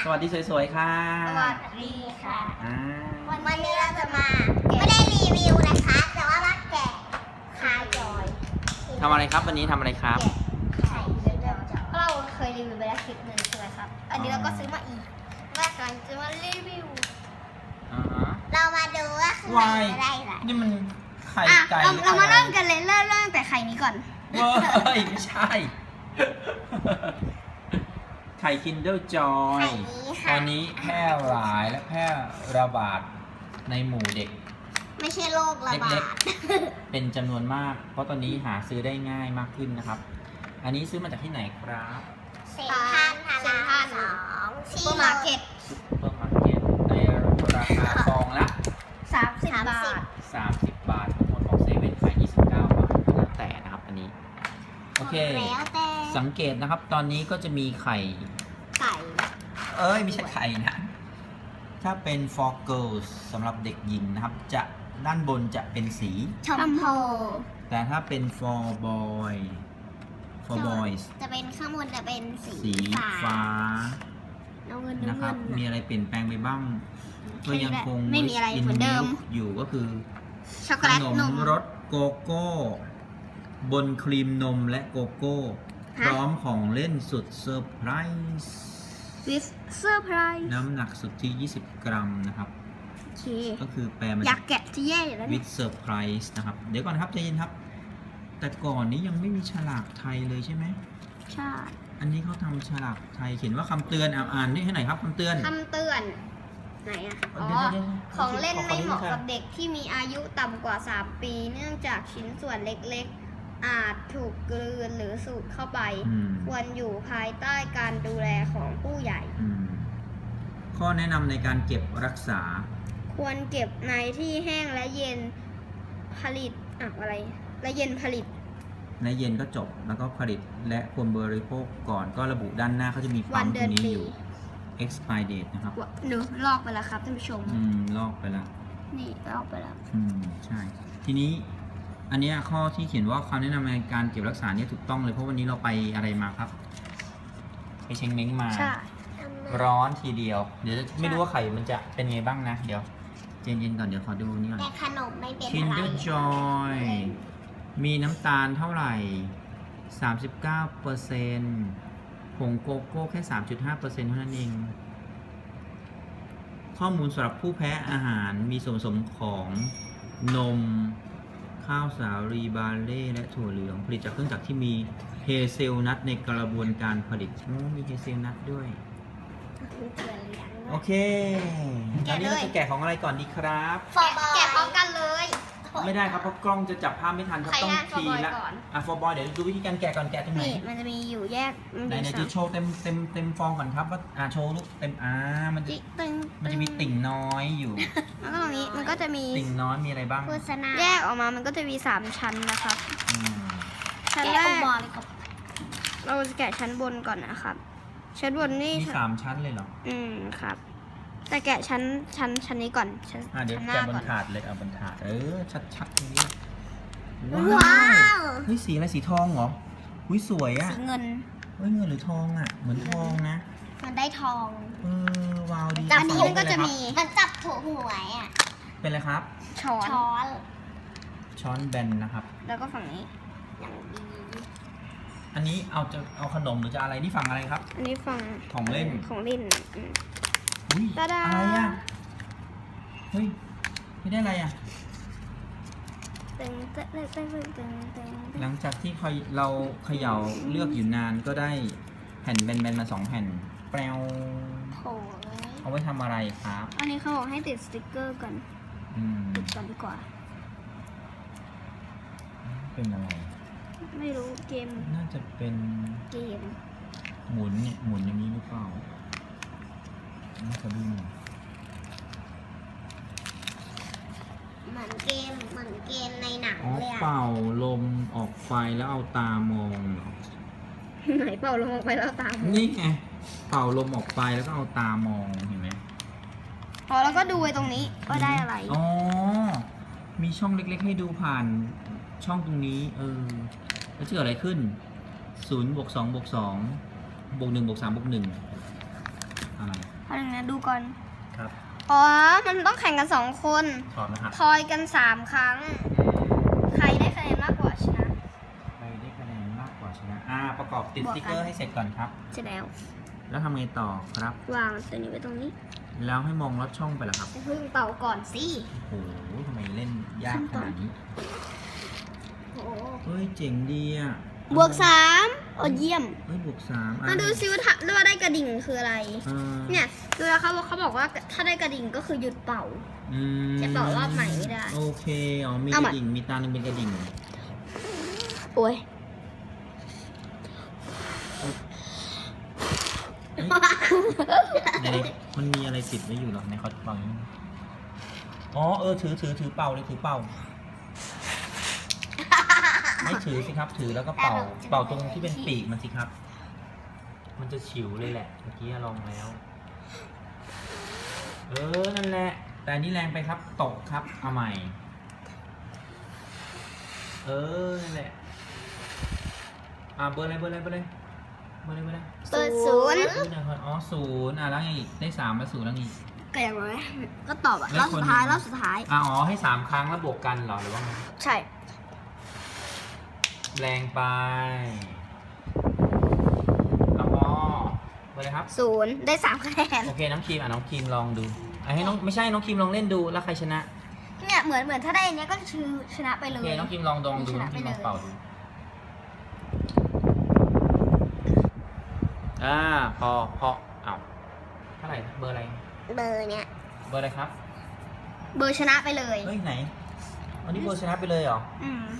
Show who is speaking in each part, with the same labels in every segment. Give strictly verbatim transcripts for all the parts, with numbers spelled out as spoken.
Speaker 1: สวัสดีสวยๆค่ะ
Speaker 2: สวัสดีค่ะ
Speaker 1: อ่า
Speaker 2: วันนี้เราจะมาไม่ได้รีวิวนะคะ แต่ว่ามาแกะคาจอย
Speaker 1: ทำอะไรครับวันนี้ทำอะไรครับ
Speaker 2: ไข่เริ่มจากเราเคยรีวิวไปแล้วคลิปหนึ่งใช่ไหมครับ อันนี้เราก็ซื้อมาอีกว่ากำลังจะมารีวิว
Speaker 1: อ่าฮะ
Speaker 2: เรามาดูว่าข้างใน
Speaker 1: วาย
Speaker 2: จะได้อะไร
Speaker 1: นี่มันไข่
Speaker 2: อ่ะ
Speaker 1: ไก่
Speaker 2: เรา
Speaker 1: หอ
Speaker 2: เรามา
Speaker 1: อะไ
Speaker 2: เริ่มกันเลยเริ่มเริ่มแต่ไข่นี้ก่อน
Speaker 1: เว้ยไม่ใช่ ไข่ Kinder
Speaker 2: ไข่
Speaker 1: Joy
Speaker 2: นี้
Speaker 1: ต
Speaker 2: ค่ะ
Speaker 1: อนนี้แพร่หลายและแพร่ระบาดในหมู่เด็ก
Speaker 2: ไม่ใช่โรคระบา
Speaker 1: เล็
Speaker 2: ด
Speaker 1: ก เป็นจำนวนมาก เพราะตอนนี้หาซื้อได้ง่ายมากขึ้นนะครับ อันนี้ซื้อมาจากที่ไหนครับ
Speaker 2: เซ็นทรัลพระรามสองซุปเปอร์มาร์เก็ต
Speaker 1: ซุปเปอร์มาร์เก็ตในราคาซองละ
Speaker 2: สามสิบบาท
Speaker 1: สามสิบบาททั้งหมดของเซเว่นขายยี่สิบเก้าบาทแล้วแต่นะครับอันนี้ โอเค
Speaker 2: แล้วแต่
Speaker 1: สังเกตนะครับตอนนี้ก็จะมีไข่
Speaker 2: ไก่
Speaker 1: เอ้ยไม่ใช่ไข่นะ ถ้าเป็น for girls สำหรับเด็กหญิงนะครับ จะด้านบนจะเป็นสี
Speaker 2: ชมพู
Speaker 1: แต่ถ้าเป็น for boy for boys
Speaker 2: จะเป็นข้างบนจะเป็นสี
Speaker 1: สีฟ้า
Speaker 2: น้ำเงิน
Speaker 1: นะ
Speaker 2: น้ำ
Speaker 1: ครั
Speaker 2: เงิ
Speaker 1: บ
Speaker 2: น
Speaker 1: มีอะไรเปลี่ยนแปลงไปบ้าง ก็ยังคง
Speaker 2: ไม่มีอะไรเหมือนเดิม
Speaker 1: อยู่ก็คือ
Speaker 2: ช็อกโก
Speaker 1: ข
Speaker 2: แลต
Speaker 1: น
Speaker 2: น
Speaker 1: ม
Speaker 2: ม
Speaker 1: รสโกโก้ บนครีมนมและโกโก้ พ
Speaker 2: ฮะ
Speaker 1: ร้อมของเล่นสุดเซอร์ไพรส์
Speaker 2: วิสเซอร์ไพรส์
Speaker 1: น้ำหนักสุดที่ ยี่สิบ กรัมนะครับ
Speaker 2: โอเค
Speaker 1: ก็คือแปลมา
Speaker 2: อยา
Speaker 1: จาก
Speaker 2: กแกะที่แย่อยู่แล้ว
Speaker 1: วิ
Speaker 2: เนี่ย
Speaker 1: ดเซอร์ไพรส์นะครับ เดี๋ยวก่อนครับใจเย็นครับ แต่ก่อนนี้ยังไม่มีฉลากไทยเลยใช่ไหม
Speaker 2: ใช่
Speaker 1: อันนี้เขาทำฉลากไทยเขียนว่าคำเตือนอ่านอ่านนี่ให้ไหนอยครับคำเตือน
Speaker 2: คำเตือน ไหนอะอ๋อ
Speaker 1: เดี๋ยวๆๆ
Speaker 2: ของเล่นไม่เหมาะ
Speaker 1: ขอขอนิดนึงค่ะ
Speaker 2: กับเด็กที่มีอายุต่ำกว่า สาม ปี เนื่องจากชิ้นส่วนเล็กๆ อาจถูกกลืนหรือสูดเข้าไป
Speaker 1: อืม
Speaker 2: ควรอยู่ภายใต้การดูแลของผู้ใหญ่
Speaker 1: อืมข้อแนะนำในการเก็บรักษา
Speaker 2: ควรเก็บในที่แห้งและเย็นผลิตอะอะไร และเย็นผลิต
Speaker 1: ในเย็นก็จบแล้วก็ผลิตและควรบริโภคก่อนก็ระบุด้านหน้าเขาจะมี
Speaker 2: วั
Speaker 1: ปั๊
Speaker 2: น
Speaker 1: ม
Speaker 2: เดื
Speaker 1: ตร
Speaker 2: อน
Speaker 1: งนี้
Speaker 2: ปี
Speaker 1: อยู่ expire date นะครับ
Speaker 2: หนูลอกไปแล้วครับท่านผู้ชม
Speaker 1: อืม ลอกไปแล้ว
Speaker 2: นี่ลอกไปแล้ว
Speaker 1: อืม ใช่ ทีนี้ อันเนี้ยข้อที่เขียนว่าคำแนะนำในการเก็บรักษาเนี่ยถูกต้องเลย เพราะวันนี้เราไปอะไรมาครับ ไปเชงเม้งมา
Speaker 2: ใช่
Speaker 1: ร้อนทีเดียว เดี๋ยวไม่รู้ว่าไข่มันจะเป็นไงบ้างนะ เดี๋ยวเย็นๆก่อนเดี๋ยวขอดูนี่ก่อน
Speaker 2: แต่ขนมไม่เป็นอะไร
Speaker 1: Kinder Joy มีน้ำตาลเท่าไหร่ สามสิบเก้าเปอร์เซ็นต์ ผงโกโก้แค่ สามจุดห้าเปอร์เซ็นต์ เท่านั้นเอง ข้อมูลสำหรับผู้แพ้อาหารมีส่วนผสมของนม ข้าวสาลีบาเล่และถั่วเหลือง ผลิตจากเครื่องจักรที่มีเฮเซลนัทในกระบวนการผลิตโอ้มีเฮเซลนัทด้วย โอเคตอนนี้เราจะแกะของอะไรก่อนดีครับ
Speaker 2: ฟอบอยแกะพร้อมกันเลย
Speaker 1: ไม่ได้ครับเพราะกล้องจะจับภาพไม่ทันครับ
Speaker 2: ใคร
Speaker 1: ต้อง
Speaker 2: ให้
Speaker 1: ทีละ
Speaker 2: for boy ก่อน
Speaker 1: อ่ะ for boy เดี๋ยวดูวิธีการแกะก่อนแกะตรงไหน
Speaker 2: นี่มันจะมีอยู่แยก
Speaker 1: ไหนไหนจะโชว์เต็มเต็มเต็มฟองก่อนครับว่าอ่าโชว์ลูกเต็มอ่ามันจะ
Speaker 2: จิตึง
Speaker 1: มันจะมีติ่งน้อยอยู่
Speaker 2: แล้วก็ตรงนี้มันก็จะมี
Speaker 1: ติ่งน้อยมีอะไรบ้าง
Speaker 2: โฆษณาแยกออกมามันก็จะมีสามชั้นนะครับ
Speaker 1: อืม
Speaker 2: ชั้นแรกเราจะแกะชั้นบนก่อนนะครับ ชั้นบนนี่
Speaker 1: มีสามชั้นเลยเหรอ
Speaker 2: อืมครับ แต่แกะชั้นชั้นชั้นนี้ก่อนชั้น
Speaker 1: อ่ะเดี๋ยว
Speaker 2: ชั้นห
Speaker 1: แกะ
Speaker 2: น้า
Speaker 1: บน
Speaker 2: ก่อน
Speaker 1: ถาดเลยเอาบนถาดเออชัดชัดๆตรงนี้
Speaker 2: ว้าว
Speaker 1: เฮ้ยสีอะไรสีทองเหรอหุ้ยสวยอ่ะ
Speaker 2: สีเงิน
Speaker 1: เฮ้ยเงินหรือทองอ่ะเหมือนทองนะ
Speaker 2: มันได้ทอง
Speaker 1: เออว้าวดี
Speaker 2: จับ
Speaker 1: ฝั่ง
Speaker 2: นี้มันก็จะมี
Speaker 1: เป็นอ
Speaker 2: มันจับถูหวยอ่ะ
Speaker 1: ไรครับเป็นอะไรครับ
Speaker 2: ช้อนช้อน
Speaker 1: ช้อนแบนนะครับ
Speaker 2: แล้วก็ฝั่งนี้อย่างดี
Speaker 1: อันนี้เอาจะเอาขนมหรือจะอะไรนี่ฝั่งอะไรครับ
Speaker 2: อันนี้ฝั่ง
Speaker 1: ของเล่น
Speaker 2: ของเล่นอืม
Speaker 1: อุ้ย
Speaker 2: ตาดา
Speaker 1: อะไรอ่ะเฮ้ยไม่ได้อะไรอ่ะ
Speaker 2: ตึงตึงตึงตึงตึงตึงตึง
Speaker 1: หลังจากที่เราเขย่าเลือกอยู่นานก็ได้แผ่นแบนๆมาสองแผ่นแปลว
Speaker 2: โถ
Speaker 1: เอาไว้ทำอะไรครับ
Speaker 2: อันนี้เขาบอกให้ติดสติกเกอร์ก่อน
Speaker 1: อืม
Speaker 2: ติดก่อนดีกว่า
Speaker 1: เป็นอะไร
Speaker 2: ไม่รู้เกม
Speaker 1: น่าจะเป็น
Speaker 2: เกม
Speaker 1: หมุนเนี่ยหมุนอย่างนี้หรือเปล่าน่าจะดูหน่อย
Speaker 2: เหมือนเกมเหมือนเกมในหนัง
Speaker 1: อ๋อ
Speaker 2: เลยอะ
Speaker 1: เป่าลมออกไฟแล้วเอาตามองเหรอ
Speaker 2: ไหนเป่าลงออกไปแล้วตาม
Speaker 1: นี่ไงเป่าลมออกไปแล้วก็เอาตามองเห็นไหม
Speaker 2: พอแล้วก็ดูไว้ตรงนี้ว่าได้อะไร
Speaker 1: อ๋อ มีช่องเล็กๆให้ดูผ่านช่องตรงนี้ เออแล้วจะเกิดอะไรขึ้นศูนย์บวกสองบวกสองบวกหนึ่งบวกสามบวกหนึ่งอะไร
Speaker 2: เอาหนึ่งนะดูก่อน
Speaker 1: ครับ
Speaker 2: อ๋อ มันต้องแข่งกันสองคน
Speaker 1: ถอดนะครับ
Speaker 2: ทอยกันสามครั้ง ใครได้คะแนนมากกว่าชนะ
Speaker 1: ใครได้คะแนนมากกว่าชนะอ่าประกอบติด
Speaker 2: บ
Speaker 1: ส
Speaker 2: วกกัน
Speaker 1: ติ๊กเกอร์ให้เสร็จก่อนครับ
Speaker 2: เสร็จแล้ว
Speaker 1: แล้วทำไงต่อครับ
Speaker 2: วางตัวนี้ไว้ตรงนี้
Speaker 1: แล้วให้มองลอดช่องไปเหรอครับ
Speaker 2: เพิ่งเป่าก่อนสิ
Speaker 1: โอ้โหทำไมเล่นยากขนาดนี้
Speaker 2: โอ้โห
Speaker 1: เฮ้ยเจ๋งดีอ่ะ
Speaker 2: บวกสามโอ้เยี่ยม
Speaker 1: เฮ้ยบวกสามอ่ะ
Speaker 2: มาดูซิว่าถ้าว่าได้กระดิ่งคืออะไร
Speaker 1: อ่า
Speaker 2: เนี่ยคือเขาเขาบอกว่าถ้าได้กระดิ่งก็คือหยุดเป่า
Speaker 1: อืม
Speaker 2: จะต่อรอบใหม่ไม่ได้
Speaker 1: โอเค อ๋อ มี
Speaker 2: เอา
Speaker 1: ก
Speaker 2: ใหม่
Speaker 1: ระดิ่ง มีตาหนึ่งเป็นกระดิ่ง
Speaker 2: โอ้ย
Speaker 1: ในมันมีอะไรติดไว้อยู่เหรอในเขาเป่าอย่างนี้อ๋อ เออ ถือถือถือเป่าเลยถือเป่า ไม่ถือสิครับ ถือแล้วก็เป่า เป่าตรงที่เป็นปีกมันสิครับ มันจะฉิวเลยแหละ เมื่อกี้ลองแล้ว เออ นั่นแหละ แต่อันนี้แรงไปครับ ตกครับ เอาใหม่ เออ นั่นแหละ อ่าเบอร์อะไร เบอร์อะไร เบอร์อะไร เบอร์อะไร เบอร์อะไร
Speaker 2: เปิดศูนย์
Speaker 1: เออเนี่ยอ๋อศูนย์อ่ะแล้วไงอีก ได้สามมาศูนย์แล้วไงอีก
Speaker 2: ก็อย่างไรก็ตอบอะ
Speaker 1: แล้
Speaker 2: ร
Speaker 1: ว
Speaker 2: อบ
Speaker 1: คน
Speaker 2: สุดท้ายรอบสุดท้าย
Speaker 1: อ่ะอ๋อ ให้สามครั้งแล้วบวกกันเหรอ หรือว่าไง
Speaker 2: ใช่
Speaker 1: แรงไปแล้วก็เบอร์อะไรครับ
Speaker 2: ศูนย์ได้สามคะแนน
Speaker 1: โอเค น้องครีมอ่ะ น้องครีมลองดูอ่ะให้น้อง ไม่ใช่ น้องครีมลองเล่นดู แล้วใครชนะ
Speaker 2: เนี่ยเหมือนเหมือนถ้าได้อันเนี้ยก็คือชนะไปเล
Speaker 1: โอย เค น้องครีมลองดองดู
Speaker 2: ช
Speaker 1: น้
Speaker 2: นะ
Speaker 1: องค
Speaker 2: ไป
Speaker 1: รีม
Speaker 2: เล
Speaker 1: ลอย งเป่าดู อ่า พอ พอเอ้าเท่าไหร่นะเบอร์อะไร
Speaker 2: เบอร์เนี้ย
Speaker 1: เบอร์อะไรครับ
Speaker 2: เบอร์ชนะไปเลย
Speaker 1: เฮ้ย ไหนอันนี้เบอร์ชนะไปเลยเหรอ
Speaker 2: อืม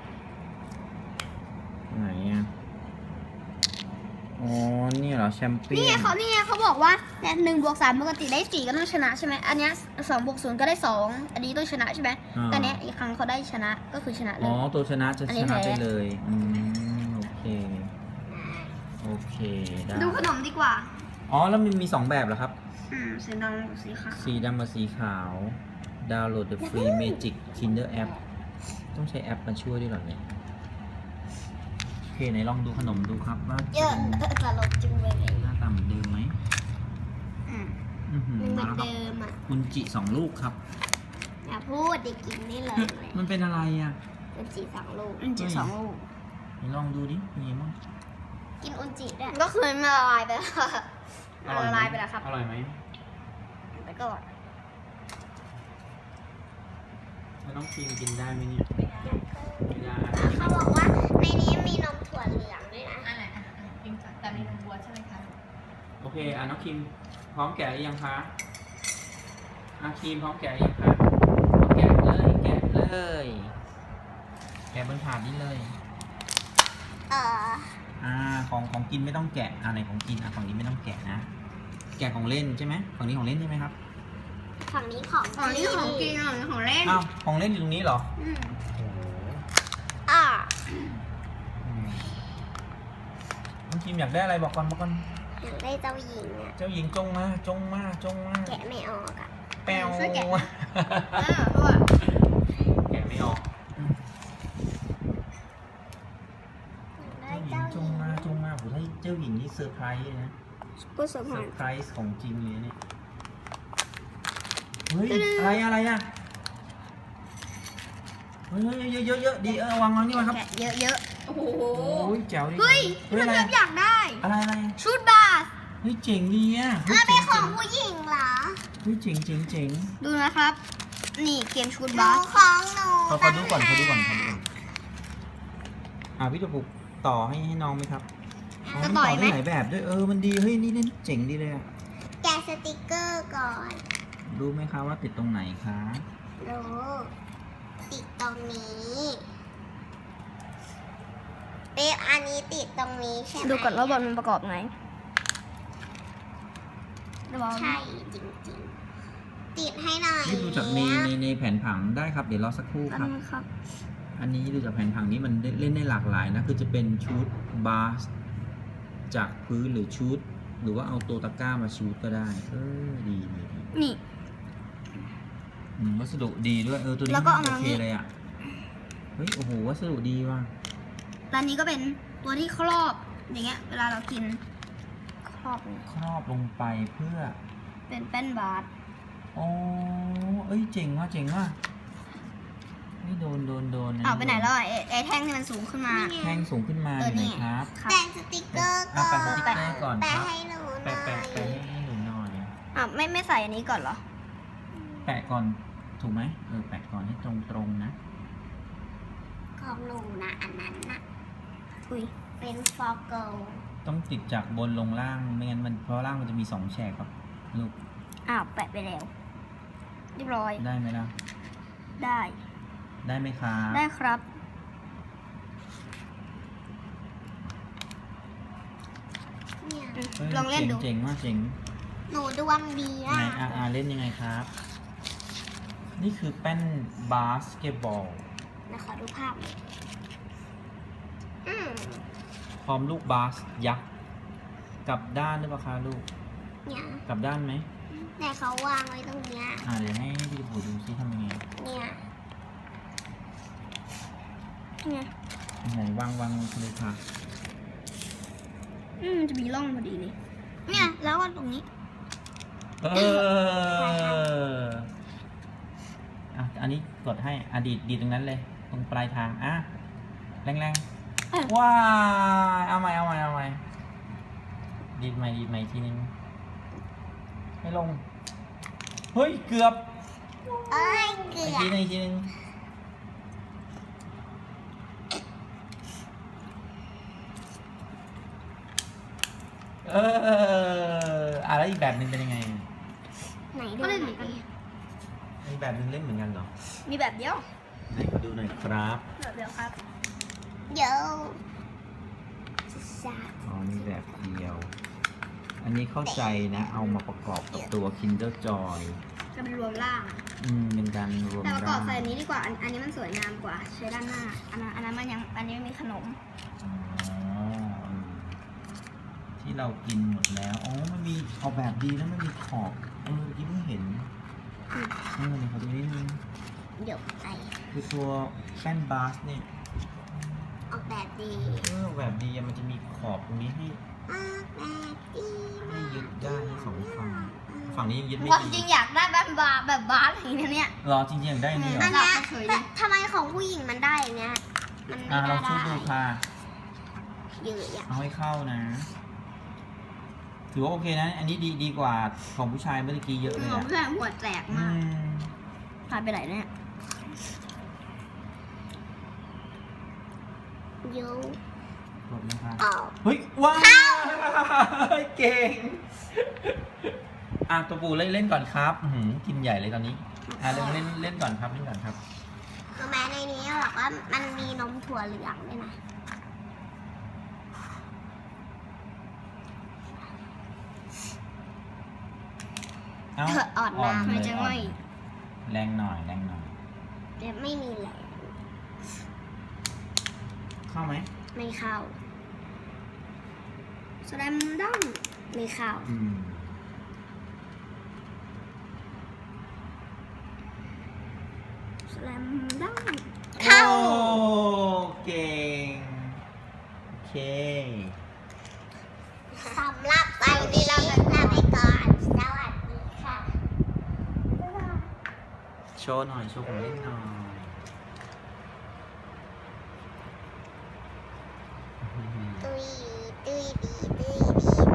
Speaker 1: ไหนอ่ะ อ๋อ นี่เหรอ แชมเปี้
Speaker 2: นี่
Speaker 1: ย
Speaker 2: ไง
Speaker 1: น
Speaker 2: เขานี่ไงเขาบอกว่าเนี่ยหนึ่งบวกสามปกติได้สี่ก็ต้องชนะใช่ไหมอันเนี้ยสองบวกศูนย์ก็ได้สองอันนี้ต้องชนะใช่ไหม
Speaker 1: อ่า
Speaker 2: แต่เนี้ยอีกครั้งเขาได้ชนะก็คือชนะเล
Speaker 1: อ๋อ
Speaker 2: ย
Speaker 1: ตัวชนะจะ
Speaker 2: อัน
Speaker 1: ช
Speaker 2: นี้
Speaker 1: นะ
Speaker 2: แพ้
Speaker 1: ไปเลย อืม โอเค โอเค ได้
Speaker 2: ดูขนมดีกว่า
Speaker 1: อ๋อ แล้วมันมีสองแบบเหรอครับ
Speaker 2: อืมสีดำกับสีขาว
Speaker 1: สีดำกับสีขาว ดาวน์โหลด The Free Magic Kinder App ต้องใช้แอปมาช่วยด้วยเหรอเนี่ย โอเค ไหนลองดูขนมดูครับว่า
Speaker 2: เยอะตลกจุงเลย
Speaker 1: หน้าตาเหมือนเดิมไหม
Speaker 2: อืม
Speaker 1: อื้อหือ
Speaker 2: มันเหมื
Speaker 1: มา
Speaker 2: อน
Speaker 1: แล้วครับ
Speaker 2: เดิมอ่ะ
Speaker 1: อุนจิสองลูกครับ
Speaker 2: อย่าพูดดิกินได้เลย
Speaker 1: มันเป็นอะไรอ่ะ
Speaker 2: อุนจิสองลูกอุนจิสองลูก
Speaker 1: ไหนลองดูดิเป็นยังไงบ้าง
Speaker 2: กินอุนจิได้ก็คือมันละลายไปแล้วมันละลายไปแล้วครับ
Speaker 1: อร่อยไหม
Speaker 2: ไปก่อน
Speaker 1: แล้วน้องครีมกินได้ไหมเนี่ยไม่ได้
Speaker 2: เขาบอกว่าในนี้มีนมถั่วเหลืองด้วยนะ
Speaker 3: อันไหนอ่ะพิมพ์แต่มีนมวัวใช่ไหมคะ
Speaker 1: โอเค อ่ะน้องครีมพร้อมแกะหรือยังคะอ่ะครีมพร้อมแกะหรือยังคะแกะเลย แกะเลย แกะบนถาดนี้เลย
Speaker 2: เออ
Speaker 1: อ่า ของของกินไม่ต้องแกะ อ่าไหนของกิน อ่ะฝั่งนี้ไม่ต้องแกะนะ แกะของเล่นใช่ไหมฝั่งนี้ของเล่นใช่ไหมครับ
Speaker 2: ฝั่งนี้ของ
Speaker 3: ฝั่งนี้ของกินฝั่งนี้ของเล่น
Speaker 1: อ้าว ของเล่นอยู่ตรงนี้เหรอ
Speaker 2: อืม
Speaker 1: โอ้โห
Speaker 2: อ่า
Speaker 1: อืมน้องครีมอยากได้อะไรบอกก่อนบอกก่อน
Speaker 2: อยากได้เจ้าหญิงอ่ะ
Speaker 1: เจ้าหญิงจงมา จงมา จงมา
Speaker 2: แกะไม่ออกอ่ะ
Speaker 1: แปว
Speaker 2: ช่วยแกะ
Speaker 3: เออตัว
Speaker 1: แกะไม่ออก
Speaker 2: อยาก
Speaker 1: เจ้า
Speaker 2: ได้
Speaker 1: หญิง
Speaker 2: เจ้าหญิง
Speaker 1: จงมาจงมาผมให้เจ้าหญิงนี่เซอร์ไพรส์เลยนะ
Speaker 2: ผู้สม
Speaker 1: เซ
Speaker 2: ภา
Speaker 1: อ
Speaker 2: ร
Speaker 1: ร์ไพรส์ของจริงเลยเนี่ย เฮ้ย อะไรอะไรอ่ะ เฮ้ยเยอะเยอะเยอะดีเออวางวางนี่มาครับ
Speaker 2: แกะเยอะ
Speaker 3: โอ้โห
Speaker 1: โอ้ยแจ๋วดี
Speaker 2: ๆเฮ้ย
Speaker 1: เฮ้ย
Speaker 2: มัน
Speaker 1: อะไร
Speaker 2: แบบอยากได้
Speaker 1: อะไรอะไร
Speaker 2: ชุดบาส
Speaker 1: เฮ้ยเจ๋งดีอ่ะเฮ้ย
Speaker 2: อ่ะเป็
Speaker 1: เจ๋
Speaker 2: น
Speaker 1: ง
Speaker 2: ของผู้หญิงเหรอ
Speaker 1: เฮ้ยเจ๋งเจ๋งเจ๋ง
Speaker 2: ดูนะครับ นี่เกมชุด
Speaker 3: หนู
Speaker 2: บาส
Speaker 3: ของหนู
Speaker 1: เขาเขาดูก่อนเขาดูก่อนเขาดูก่อนอ่าพี่จะปลุกต่อให้ให้น้องไหมครับอ๋อ
Speaker 2: จะ
Speaker 1: มัน
Speaker 2: ต่
Speaker 1: ต่
Speaker 2: อ
Speaker 1: อย
Speaker 2: ไหม
Speaker 1: ได้หลายแบบด้วยเออมันดีเฮ้ยนี่เล่นเจ๋งดีเลยอ่ะ
Speaker 2: แกะสติกเกอร์ก่อน
Speaker 1: รู้ไหมคะว่าติดตรงไหนคะ
Speaker 2: รู้ติดตรงนี้เป๊ะอันนี้ติดตรงนี้ใช่ไหมดูก่อนว่าบอลมันประกอบไงใช่จริงๆ ติดให้หน่อย
Speaker 1: นี่ดูจากในในในแผนผังได้ครับเดี๋ยวรอสักครู่ครับ
Speaker 2: ครับ
Speaker 1: อันนี้ดูจากแผนผังนี้มันเล่นได้หลากหลายนะคือจะเป็นชุดบาสจากพื้นหรือชุด หรือว่าเอาตัวตะกร้ามาชูดก็ได้เออดีดีดี
Speaker 2: นี่
Speaker 1: อืมวัสดุดีด้วยเออตัวนี้
Speaker 2: แล้วก็เอา
Speaker 1: โอ
Speaker 2: มา
Speaker 1: เคเลยอ่ะเฮ้ยโอ้โหวัสดุดีว่ะ
Speaker 2: ร้านนี้ก็เป็นตัวที่ครอบอย่างเงี้ย เวลาเรากินครอบเลย
Speaker 1: ครอบลงไปเพื่อ
Speaker 2: เป็นแป้นบาส
Speaker 1: อ๋อเอ้ยเจ๋งว่ะเจ๋งว่ะไม่โดนโดนโดน
Speaker 2: อ้าวไปไหนแล้วอ่ะไอ้ไอ้แท่งที่มันสูงขึ้นมา
Speaker 1: แท่งสูงขึ้นมา
Speaker 2: เอ
Speaker 1: อ
Speaker 2: อยู่
Speaker 1: ไหน
Speaker 2: นี่
Speaker 1: ครับ
Speaker 2: ครับ
Speaker 4: แปะสติกเกอร์
Speaker 1: อ่ะ
Speaker 4: ก่อน
Speaker 1: แปะสติ๊กเกอร์ก่อน
Speaker 4: แปะ
Speaker 1: ครับ
Speaker 4: ให้หนูห
Speaker 1: แปะ
Speaker 4: น่อ
Speaker 1: แปะ
Speaker 4: ย
Speaker 1: แปะให้หนูหน่อย
Speaker 2: อ้าวไม่ไม่ใส่อันนี้ก่อนเหรอ
Speaker 1: แปะก่อนถูกไหมเออแปะก่อนให้ตรงตรงๆนะ
Speaker 4: ของหนูนะอันนั้นนะ
Speaker 2: อุ้ย
Speaker 4: เป็นฟอร์เกิล
Speaker 1: ต้องติดจากบนลงล่างไม่งั้นมันเพราะล่างมันจะมีสองแฉกครับลูก
Speaker 2: อ้าวแปะไปแล้วเรียบร้อย
Speaker 1: ได้ไหมล่ะ
Speaker 2: ได้
Speaker 1: ได้ไหมครับ
Speaker 2: ได้ครับ
Speaker 4: เนี่ย
Speaker 2: อืม
Speaker 1: ฮ้ย
Speaker 2: ลองเล่นดู
Speaker 1: เจ๋งๆมากเจ๋ง
Speaker 4: หนูดวงดี
Speaker 1: ไห
Speaker 4: อ่ะ
Speaker 1: นอาอาเล่นยังไงครับ นี่คือแป้นบาสเกตบอล
Speaker 4: นะขอดูภาพหน่อยอืม
Speaker 1: พร้อมลูกบาสยักษ์กลับด้านหรือเปล่าคะลูก
Speaker 4: เนี่ย
Speaker 1: กลับด้านไหม
Speaker 4: แต่เขาวางไว้ตรงเนี้ย
Speaker 1: อ่าเดี๋ยวให้พี่ผูดูซิทำยังไง
Speaker 4: เนี่ย
Speaker 2: ไง
Speaker 1: ไหนวางวางเลยค่ะ
Speaker 2: อืมมันจะมีร่องพอดีเลย เนี่ยแล้วก็ตรงนี้
Speaker 1: เอออ่ะอันนี้กดให้อะดีดดีดตรงนั้นเลย ตรงปลายทางอ่ะแรงแรง
Speaker 2: เอ้ย
Speaker 1: ๆว้ายเอาใหม่เอาใหม่เอาใหม่ดีดใหม่ดีดใหม่อีกทีนึงให้ลงเฮ้ยเกือบ
Speaker 4: เอ้ยเกื
Speaker 1: อีก
Speaker 4: อ
Speaker 1: ที
Speaker 4: บ
Speaker 1: นึงอีกทีนึงเอออ่ะแล้วอีกแบบหนึ่งเป็นยังไง
Speaker 4: ไหนดู
Speaker 2: ก็
Speaker 4: ห
Speaker 2: เล่น
Speaker 4: น่
Speaker 2: เห
Speaker 4: อ
Speaker 2: มือนกัน
Speaker 4: ยดิ
Speaker 1: อีกแบบหนึ่งเล่นเหมือนกันเหรอ
Speaker 2: มีแบบเดียว
Speaker 1: ไหนขอดูหน่อยครับ
Speaker 2: แบบเดียวครับ
Speaker 4: เดี๋ยวสา
Speaker 1: อ๋อมีแบบเดียว อันนี้เข้าใจนะ เอามาประกอบกับตัว Kinder Joy
Speaker 2: จะเป็นรวมล่าง
Speaker 1: อืม เป็นการรวม
Speaker 2: แต่ประกอบใส่
Speaker 1: ร่าง
Speaker 2: อันนี้ดีกว่า อันอันนี้มันสวยงามกว่า ใช้ด้านหน้า อันนั้นอันนั้นมันยัง อันนี้ไม่มีขนม
Speaker 1: อ๋อเออที่เรากินหมดแล้ว อ๋อ มันมีออกแบบดีแล้วมันมีขอบ เออเมื่อกี้เพิ่งเห็น
Speaker 2: อืม
Speaker 1: เออเดี๋ยวขอดูนิดนึง
Speaker 4: เดี๋ยวไป
Speaker 1: คือตัวแป้นบาสเนี่ย
Speaker 4: ออกแบบดี
Speaker 1: เออออกแบบดีอะมันจะมีขอบตรงนี้ให้
Speaker 4: ออกแบบดี
Speaker 1: ให้ยึดได้ทั้งสองฝั่ง ฝั่งนี้ยังยึดไม่
Speaker 2: ความ
Speaker 1: ดี
Speaker 2: จริงอยากได้แบบบาร์แบบบาร์อย่างนี้นะเนี่ย
Speaker 1: รอจริงๆอยากได้นี่เหร
Speaker 4: อั
Speaker 1: อ
Speaker 4: นเนี้ย
Speaker 2: เฉยๆ
Speaker 4: แต่ทำไมของผู้หญิงมันได้อย่างเงี้ย มันไม่
Speaker 1: อ่ะ
Speaker 4: ได้
Speaker 1: เราช่วยดูค่ะ
Speaker 4: เยอะอ่ะ
Speaker 1: เอาให้เข้านะ ถือว่าโอเคนะ อันนี้ดีดีกว่าของผู้ชายเมื่อกี้เยอะเลย
Speaker 2: ของ
Speaker 1: อะ
Speaker 2: เพื่อนหัวแตก
Speaker 1: อื
Speaker 2: มาก
Speaker 1: ม
Speaker 2: พาไปไหนเนี่ย
Speaker 4: เยอะ
Speaker 1: กดเลยค่ะ
Speaker 4: ออก
Speaker 1: เฮ้ย ว้าวเก่ง อ่ะตัวปู่เล่นเล่นก่อนครับอื้อหือกินใหญ่เลยตอนนี้ อ่ะเล่นเล่นเล่นก่อนครับเล่นก่อนครับ
Speaker 4: รู้ไหมในนี้บอกว่ามันมีนมถั่วเหลืองด้วยนะ
Speaker 1: เอ้า
Speaker 4: อ่อนมาก
Speaker 1: เล
Speaker 2: ทำไม
Speaker 1: ย
Speaker 2: จะ
Speaker 1: อ่อ
Speaker 2: ไม่
Speaker 1: นแรงหน่อยแรงหน่อย
Speaker 4: แต่ไม่มีแหลม
Speaker 1: เข้าไหม
Speaker 4: ไม่เข้า
Speaker 2: แสดงดั้ง
Speaker 4: ไม่เข้า
Speaker 1: อืม
Speaker 2: แสดงดั้ง
Speaker 4: เข้า
Speaker 1: โอ้เก่ง โอเค
Speaker 4: สำหรับวันนี้เราจะลาไปก่อน สวัสดีค่ะ
Speaker 1: โชว์หน่อย โชว์ของเล่นหน่อยอื้อหือ
Speaker 4: ตุยตุยดีตุยดีตุย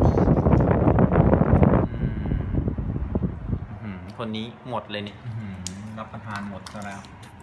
Speaker 1: อืมอื้อหือคนนี้หมดเลยเนี่ยอื้อหือรับประทานหมดซะแล้ว
Speaker 4: ด